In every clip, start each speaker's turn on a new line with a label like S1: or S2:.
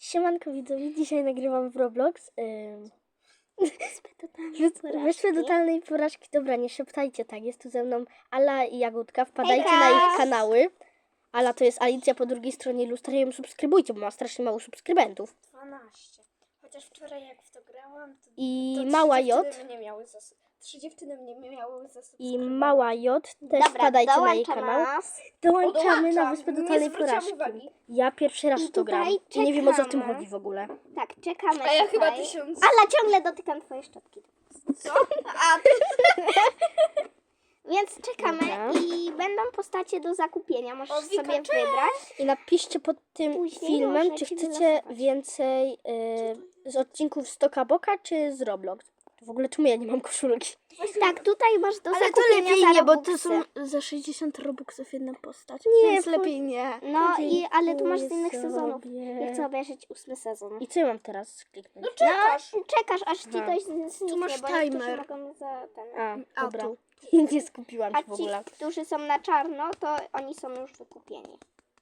S1: Siemanko widzowie, dzisiaj nagrywam w Roblox. Wyspę totalnej porażki. Dobra, nie szeptajcie tak, jest tu ze mną Ala i Jagódka, wpadajcie na ich kanały. Ala to jest Alicja po drugiej stronie lustra, ją subskrybujcie, bo ma strasznie mało subskrybentów.
S2: 12. Chociaż wczoraj jak w to grałam, to,
S1: I
S2: to
S1: mała
S2: 3
S1: J.
S2: dziewczyny mnie miały trzy dziewczyny mnie miały za
S1: I mała J, też wpadajcie na jej kanał. Dołączamy na Wyspę totalnej porażki.
S2: Uwagi.
S1: Ja pierwszy raz w to gram i nie wiem, o co w tym
S3: czekamy.
S1: chodzi w ogóle.
S3: Tak, czekamy.
S2: A ja
S3: tutaj.
S2: chyba 1000.
S3: Ala, ciągle dotykam twojej szczotki.
S2: Co? A,
S3: Więc czekamy
S1: Dobra.
S3: i będą postacie do zakupienia. Możesz
S2: O, Wika,
S3: sobie
S2: cześć!
S3: wybrać.
S1: I napiszcie pod tym
S3: Później
S1: filmem,
S3: możecie
S1: czy chcecie
S3: wylosować.
S1: więcej z odcinków z Toka Boka, czy z Roblox. W ogóle czemu ja nie mam koszulki?
S3: Tak, tutaj masz do
S2: ale to
S3: zakupienia
S2: lepiej
S3: za
S2: nie, bo to
S3: Robuxy.
S2: są za 60 robuxów jedna postać.
S1: Nie,
S2: Więc
S1: fuj.
S2: lepiej nie.
S3: No ale tu masz z
S1: Dziękuję
S3: innych sezonów.
S1: sobie.
S3: Ja chcę obejrzeć 8 sezon.
S1: I co ja mam teraz kliknąć?
S3: No, czekasz aż ci
S1: Aha.
S3: coś zniknie,
S2: masz
S3: bo niektórzy
S2: timer.
S3: mogą za ten.
S1: A, dobra.
S2: Auto.
S1: Nie skupiłam
S3: A
S1: się w
S3: ci,
S1: ogóle.
S3: którzy są na czarno, to oni są już wykupieni.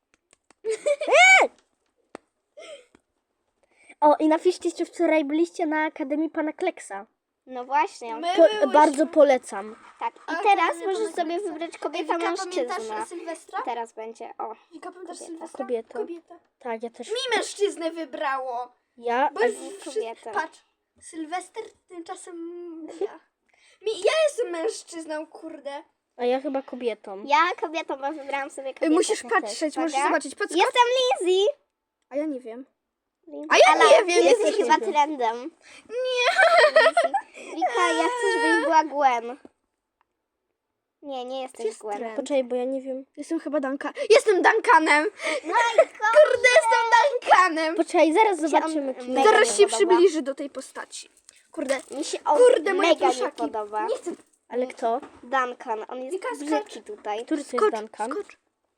S1: O, i napiszcie, czy wczoraj byliście na Akademii Pana Kleksa.
S3: No właśnie.
S2: My byłyśmy.
S1: Bardzo polecam.
S3: Tak, i
S2: A,
S3: teraz
S2: nie
S3: możesz
S2: pamiętam
S3: sobie
S2: jak
S3: wybrać
S2: Ej,
S3: kobieta,
S2: Wika,
S3: mężczyzna.
S2: pamiętasz Sylwestra?
S3: Teraz będzie, o.
S2: Wika, pamiętasz
S3: Kobieta.
S2: Sylwestra?
S1: Kobieta.
S2: Kobieta.
S1: Tak, ja też.
S2: Mi mężczyznę wybrało.
S1: Ja,
S2: Bo
S3: kobietę.
S2: Patrz, Sylwester tymczasem ja. Ja jestem mężczyzną, kurde.
S1: a ja chyba kobietą.
S3: Ja kobietą, bo wybrałam sobie kobietę.
S2: Musisz
S3: też.
S2: patrzeć, możesz
S3: Uwaga.
S2: zobaczyć. Podskocz.
S3: Jestem Lizzie.
S2: A ja nie wiem.
S3: Lizzie.
S2: A ja
S3: Ala,
S2: nie wiem,
S3: jesteś
S1: jesteś
S3: chyba
S1: Lizzie.
S3: trendem. Nie. Wika, ja chcę, żebyś była Gwen. Nie jesteś
S2: Jest
S3: Gwen.
S2: trend.
S1: Poczekaj, bo ja nie wiem.
S2: Jestem chyba Jestem Duncanem.
S3: No
S2: Kurde, jestem Duncanem.
S1: Poczekaj, zaraz zobaczymy. Czy...
S3: mega
S2: Zaraz
S3: nie
S2: się
S3: podoba.
S2: przybliży do tej postaci. Kurde,
S3: Mi się
S2: kurde, moje
S3: mega nie
S2: pluszaki.
S3: podoba.
S2: Nie chcę.
S1: Ale kto?
S3: Duncan, on jest
S2: Wika, skocz.
S3: brzydki tutaj.
S1: Który to jest
S2: Skocz,
S1: Duncan?
S2: skocz.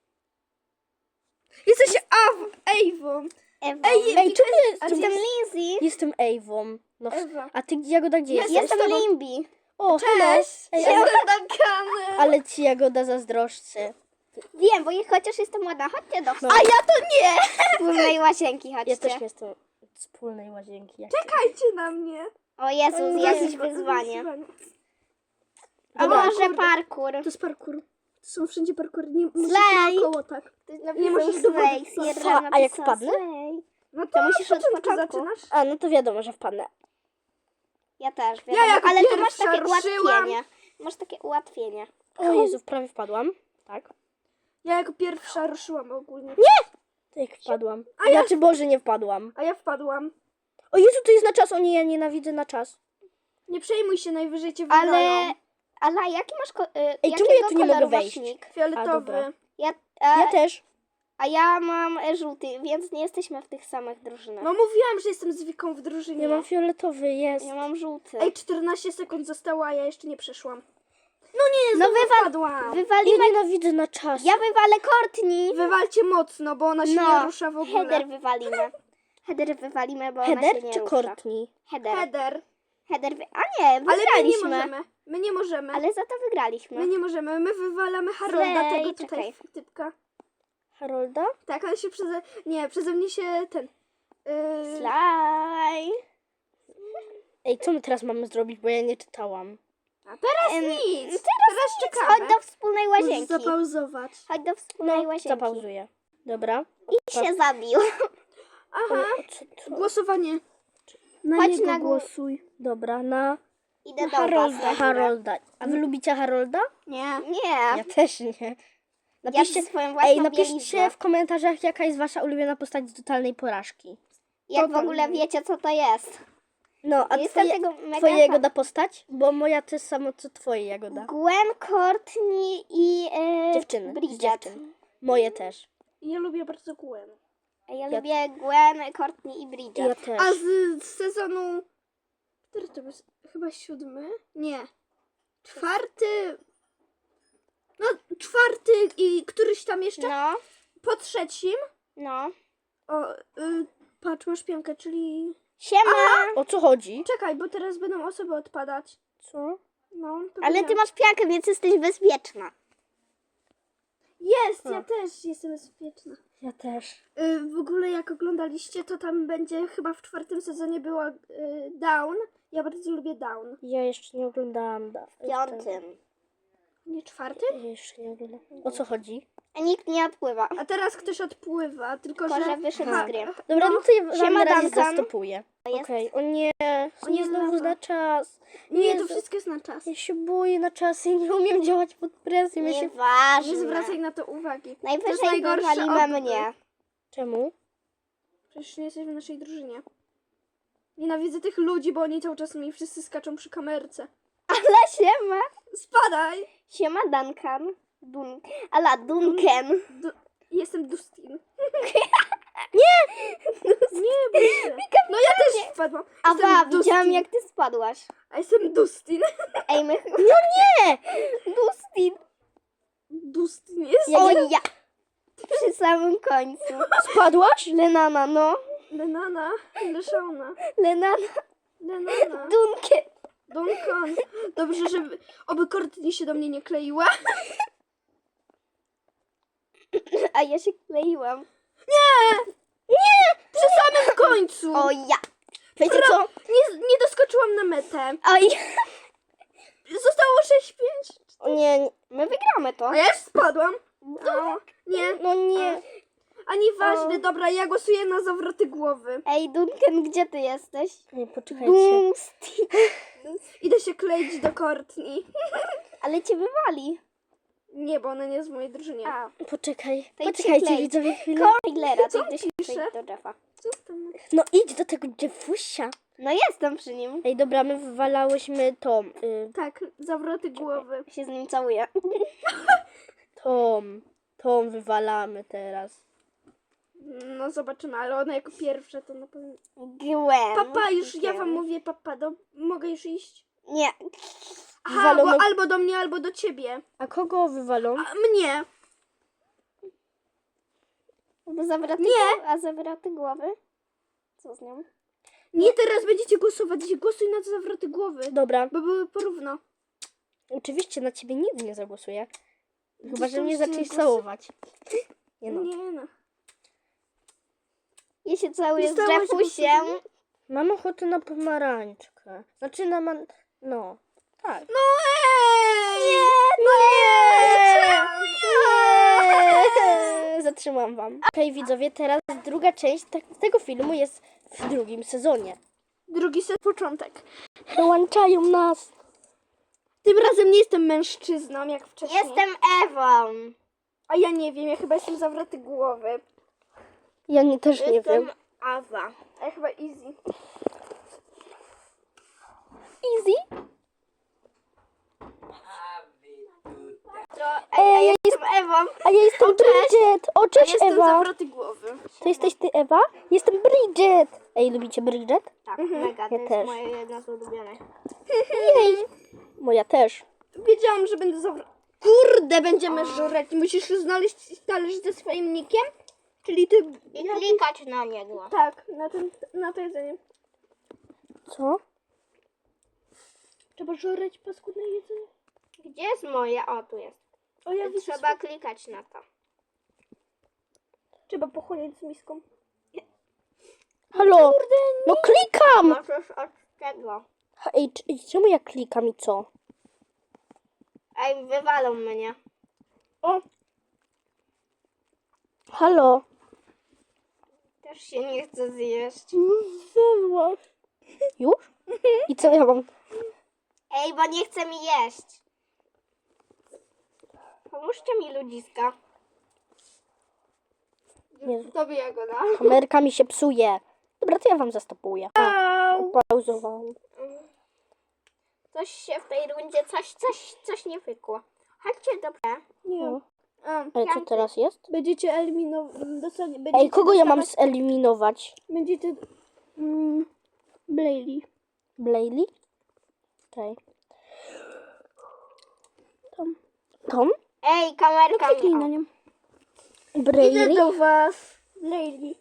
S2: Jesteś Ewą.
S3: Ewa.
S1: Ej, czemu
S3: Jestem Lizzie.
S1: Jestem Ewą. No,
S2: Ewa.
S1: a ty Jagoda gdzie jesteś?
S3: Jestem
S2: z tobą.
S3: Limbi.
S1: O, hello. Ej,
S2: Jestem Duncanem.
S1: ale ci Jagoda zazdroszczy.
S3: Wiem, bo chociaż jestem ładna. Chodźcie do
S1: No.
S2: A ja to nie.
S3: wspólnej łazienki, chodźcie.
S1: Ja też jestem z wspólnej łazienki. Jak
S2: Czekajcie na mnie.
S3: O Jezus, jakieś wyzwanie. A
S1: Dobra,
S3: może
S2: kurde.
S3: parkour?
S2: To jest parkour. To są wszędzie parkoury. Nie musisz
S3: Slay.
S2: naokoło tak.
S3: Nie
S2: możesz do wody wpaść.
S1: Co? A jak wpadnę?
S2: No
S3: To musisz od
S2: początku
S3: początku.
S2: zaczynasz.
S1: A, no to wiadomo, że wpadnę.
S3: Ja też, wiadomo,
S2: jako
S3: ale tu masz
S2: pierwsza
S3: takie
S2: ruszyłam.
S3: ułatwienie. Masz takie ułatwienie.
S1: O Jezu, prawie wpadłam. Tak.
S2: Ja jako pierwsza ruszyłam ogólnie.
S1: To jak wpadłam.
S2: A ja-
S1: Znaczy, Boże, nie wpadłam.
S2: A ja wpadłam.
S1: O Jezu, to jest na czas. O nie, ja nienawidzę na czas.
S2: Nie przejmuj się, najwyżej cię wygrają.
S3: Ale jaki masz
S1: Ej, czemu
S3: jakiego
S1: ja tu nie mogę
S3: koloru
S1: wejść?
S3: waśnik?
S1: A,
S2: Fioletowy.
S1: dobra.
S3: Ja
S1: Ja też.
S3: A ja mam żółty, więc nie jesteśmy w tych samych drużynach.
S2: No mówiłam, że jestem z Wiką w drużynie.
S1: Ja mam fioletowy, jest.
S3: Ja mam żółty.
S2: Ej, 14 sekund zostało, a ja jeszcze nie przeszłam. No nie,
S3: No
S2: znowu wpadłam.
S1: Ja
S3: Wywalimy...
S1: nienawidzę na czas.
S3: Ja wywalę Courtney.
S2: Wywalcie mocno, bo ona się nie rusza w ogóle.
S3: Header wywalimy. Header wywalimy, bo ona
S1: Header
S3: się nie
S1: czy
S3: rusza.
S1: Courtney?
S3: Header.
S2: Header.
S3: A nie,
S2: Ale my nie
S3: wygraliśmy.
S2: możemy. My nie możemy.
S3: Ale za to wygraliśmy.
S2: My nie możemy. My wywalamy Harolda,
S3: Slay,
S2: tego tutaj
S3: czekaj.
S2: typka.
S1: Harolda?
S2: Tak, on się przeze mnie się ten...
S3: Slaj.
S1: Ej, co my teraz mamy zrobić, bo ja nie czytałam.
S2: A teraz
S3: Em,
S2: nic.
S3: Teraz
S2: czekamy.
S3: Chodź do wspólnej
S2: Możesz
S3: łazienki.
S2: zapauzować.
S3: Chodź do wspólnej
S1: No,
S3: łazienki.
S1: zapauzuję. Dobra.
S3: I się zabił.
S2: Aha.
S1: Co?
S2: Głosowanie. Na
S3: Chodź
S2: niego
S3: na gó-
S2: głosuj.
S1: Dobra, na
S3: Idę do
S2: Harolda.
S3: was. na górę.
S1: Harolda. A wy lubicie Harolda?
S2: Nie.
S3: Nie.
S1: Ja też nie.
S3: Ja
S1: Napiszcie,
S3: swoją własną
S1: ej, napiszcie
S3: bieliznę.
S1: w komentarzach, jaka jest wasza ulubiona postać z totalnej porażki.
S3: Jak w ogóle wiecie, co to jest.
S1: No, a
S3: Jestem
S1: twoje,
S3: tego mega
S1: twoje
S3: fan.
S1: Jagoda postać? Bo moja to jest samo co twoje Jagoda.
S3: Gwen, Courtney i
S1: Dziewczyny, z
S3: Bridget.
S1: dziewczyn. Moje też.
S2: Ja lubię bardzo Gwen.
S3: Ja lubię Gwen, Courtney i Bridget.
S1: Ja też.
S2: A z sezonu... Który to był? Chyba 7? Nie. 4. No, 4 i któryś tam jeszcze.
S3: No,
S2: Po 3.
S3: no.
S2: O, patrz, masz piankę, czyli...
S3: Siema!
S1: O co chodzi?
S2: Czekaj, bo teraz będą osoby odpadać.
S1: Co?
S2: No,
S3: Ale ty masz piankę, więc jesteś bezpieczna.
S2: Jest,
S1: A.
S2: ja też jestem bezpieczna.
S1: Ja też.
S2: W ogóle jak oglądaliście, to tam będzie chyba w 4. sezonie była Down. Ja bardzo lubię Down.
S1: Ja jeszcze nie oglądałam.
S3: W 5.
S2: Nie 4?
S1: Ja jeszcze nie oglądałam. O co chodzi?
S3: A nikt nie odpływa.
S2: A teraz ktoś odpływa, tylko
S3: Tylko,
S2: że...
S3: że wyszedł
S2: Ha,
S3: z gry.
S1: Dobra, no to ja wam
S3: Siema,
S1: na razie
S3: Duncan.
S1: zastopuję.
S3: Jest.
S1: Okej, o nie.
S2: O nie,
S1: znowu
S2: lawa.
S1: na czas.
S2: Nie, to
S1: Jezu.
S2: wszystko jest na czas.
S1: Ja się boję na czas i nie umiem działać pod presją. Ja się...
S3: Nieważne.
S2: Nie zwracaj na to uwagi. To jest
S3: Najwyżej
S2: najgorsze
S3: wywalimy
S2: opcje.
S3: mnie.
S1: Czemu?
S2: Przecież nie jesteś w naszej drużynie. Nienawidzę tych ludzi, bo oni cały czas mi wszyscy skaczą przy kamerce.
S3: Ale siema.
S2: Spadaj!
S3: Siema Duncan. Ala Duncan.
S2: Jestem Dustin. Nie, bój się. No ja też spadłam. Jestem
S3: Awa,
S2: Dustin.
S3: widziałam jak ty spadłaś.
S2: A jestem Dustin.
S3: Ej, my...
S1: No nie!
S3: Dustin.
S2: Dustin jest.
S3: O ja. Przy samym końcu.
S1: Spadłaś?
S3: Lenana, no.
S2: Lenana, Leszona,
S3: Lenana.
S2: Lenana,
S3: Duncan.
S2: Duncan. Dobrze, żeby oby Courtney się do mnie nie kleiła.
S3: A ja się kleiłam.
S2: Przy samym końcu.
S3: O ja. Wiecie co?
S2: Nie doskoczyłam na metę.
S3: Oj.
S2: Zostało 6-5.
S3: O nie, my wygramy to.
S2: A ja już spadłam. O, nie,
S1: No nie.
S2: a nieważne. Dobra, ja głosuję na zawroty głowy.
S3: Ej, Duncan, gdzie ty jesteś?
S1: Nie, poczekajcie.
S3: Dustin.
S2: Idę się kleić do Courtney.
S3: Ale cię wywali.
S2: Nie, bo ona nie jest w mojej drużynie.
S3: A,
S1: Poczekaj.
S3: To idź się
S1: Poczekajcie,
S3: klej.
S1: widzowie, chwilę.
S3: Trailera, to idę się
S2: pisze?
S3: przejść do Jeffa.
S2: Co z tym?
S1: No idź do tego Jeffusia.
S3: No jestem przy nim.
S1: Ej, dobra, my wywalałyśmy tą,
S2: Tak, zawroty głowy.
S3: Się z nim całuję.
S1: tą wywalamy teraz.
S2: No zobaczymy, ale ona jako pierwsza to na pewno...
S3: Gwen.
S2: Papa, już ja wam mówię, papa, mogę już iść?
S3: Nie.
S2: Aha, bo
S1: Wywalono-
S2: albo do mnie, albo do ciebie.
S1: A kogo wywalą?
S2: A mnie.
S3: Bo zawroty
S2: Nie.
S3: głowy. A zawroty głowy? Co z nią?
S2: Nie, teraz będziecie głosować. Głosuj na zawroty głowy.
S1: Dobra,
S2: Bo były porówno.
S1: oczywiście na ciebie nigdy nie zagłosuję. Chyba, że
S2: to
S1: mnie
S2: się
S1: zaczniesz
S2: głosy-
S1: całować. Nie no.
S2: Nie no.
S3: Ja się całuję z
S2: Dostałaś
S3: Jeffusiem.
S2: głosu?
S1: Mam ochotę na pomarańczkę. Znaczy na No, tak.
S2: No ej! No
S1: Nie! Zatrzymam wam. Okej, widzowie, teraz druga część tego filmu jest w drugim sezonie.
S2: Drugi set początek.
S1: Dołączają nas.
S2: Tym razem nie jestem mężczyzną, jak wcześniej.
S3: Jestem Ewą.
S2: A ja nie wiem, ja chyba jestem zawroty głowy.
S1: Ja też nie wiem.
S3: Awa.
S2: A ja chyba easy.
S1: Easy?
S3: Ej, ja jestem Ewą.
S1: A ja jestem Bridget. O,
S2: Ja
S1: cześć
S2: jestem
S1: Ewa.
S2: zawroty głowy.
S1: To jesteś ty Ewa? Jestem Bridget. Ej, lubicie Bridget?
S3: Tak,
S2: Mhm.
S3: mega. To
S1: Ja
S3: jest
S1: też.
S3: moje jedno z ulubionych.
S1: Jej. Moja też.
S2: Wiedziałam, że będę zawroty. Kurde, będziemy żurać. Musisz znaleźć talerz ze swoim nickiem? Czyli ty...
S3: I klikać na niego.
S2: Tak, na to jedzenie.
S1: Co?
S2: Trzeba żurać paskudne jedzenie.
S3: Gdzie jest moje? O, tu jest.
S2: O, ja widzę.
S3: Trzeba klikać na to.
S2: Trzeba pochłonić z miską.
S1: Halo? No klikam!
S3: Możesz od tego.
S1: Ej, czemu ja klikam i co?
S3: Ej, wywalą mnie.
S2: O,
S1: Halo?
S3: Też się nie chce zjeść.
S1: Zjadłaś. Już? I co ja mam?
S3: Ej, bo nie chce mi jeść. Pomóżcie mi, ludziska.
S1: Jezu.
S2: tobie Jagoda.
S1: Kamerka mi się psuje. Dobra, to ja wam zastopuję. Pauzowałam.
S3: Coś się w tej rundzie, coś nie wykło. Chodźcie do B.
S2: Nie.
S1: No.
S2: A,
S1: Ale co teraz jest?
S2: będziecie eliminować.
S1: Ej, kogo ja mam zeliminować?
S2: Będziecie... Blayley.
S1: Blayley? Czekaj. Tom?
S3: Ej, kamerka
S2: Kliknij
S3: mi.
S2: na nią.
S1: Blayley?
S2: do was. Blayley.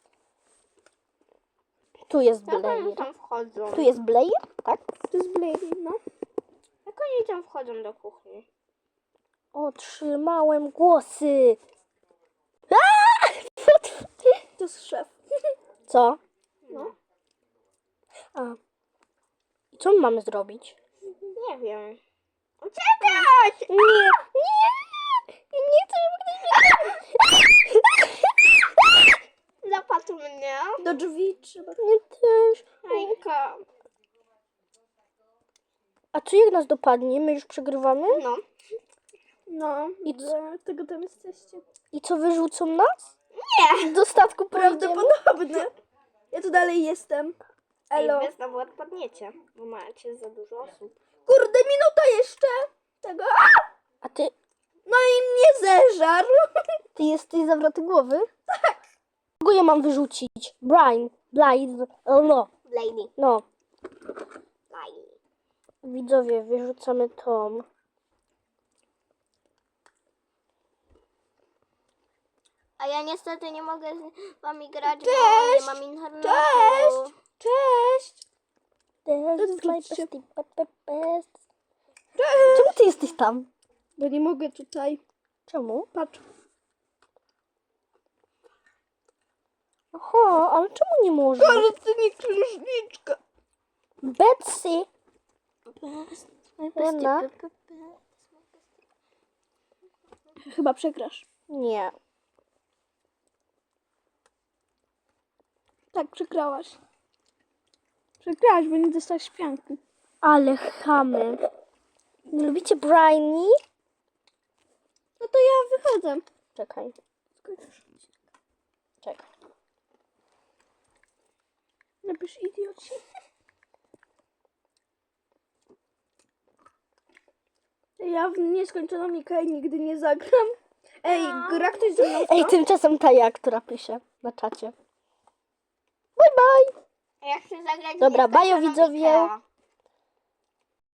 S1: Tu jest
S3: Jak
S1: Blayley.
S3: oni tam wchodzą?
S1: Tu jest Blayley? Tak?
S2: To jest Blayley, no.
S3: Jak oni tam wchodzą do kuchni?
S1: Otrzymałem głosy.
S2: To jest szef.
S1: Co?
S3: No.
S1: A. I co my mamy zrobić?
S3: Nie wiem. Uciekać!
S1: Nie, nie, nie chcę, żeby ktoś
S3: Zapadł mnie.
S2: Do drzwi trzeba.
S1: mnie też.
S3: Hejka.
S1: A co jak nas dopadnie? My już przegrywamy?
S3: No.
S2: No,
S1: I
S2: tego tam jesteście.
S1: I co, wyrzucą nas?
S3: Nie.
S1: Do statku pojedziemy?
S2: Prawdopodobne. Ja tu dalej jestem. Elo.
S3: Ej, wy znowu odpadniecie, bo macie za dużo osób.
S2: Kurde, minuta jeszcze. Tego.
S1: A ty
S2: No i mnie zeżarł.
S1: jesteś zawroty głowy? Tak. Kogo ja mam wyrzucić? Brian, Blythe, no,
S3: Lady.
S1: no.
S3: Lady.
S1: Widzowie, wyrzucamy Tom.
S3: A ja niestety nie mogę z wami grać, bo
S2: Cześć!
S3: nie mam internetu.
S2: Cześć! Cześć!
S1: That's my
S2: wróćcie.
S1: best. Czemu ty jesteś tam?
S2: Bo nie mogę tutaj.
S1: Czemu?
S2: Patrz.
S1: Aha, ale czemu nie możesz?
S2: Ale ty nie księżniczka.
S1: Betsy. Lena?
S2: Chyba przegrasz.
S1: Nie.
S2: Tak, przegrałaś. Przegrałaś, bo nie dostałaś śpianki.
S1: Ale chamy. Nie lubicie Briany?
S2: No to ja wychodzę.
S1: Czekaj. Czekaj.
S2: Napisz idioci. Ja w nieskończoną Mikael nigdy nie zagram. Ej, gra ktoś ze mną w to?
S1: Ej, tymczasem Taja, która pisze na czacie. Bye bye.
S3: Ja chcę zagrać
S1: Dobra,
S3: w
S1: bajo
S3: nieskończoną
S1: widzowie.
S3: Ikea.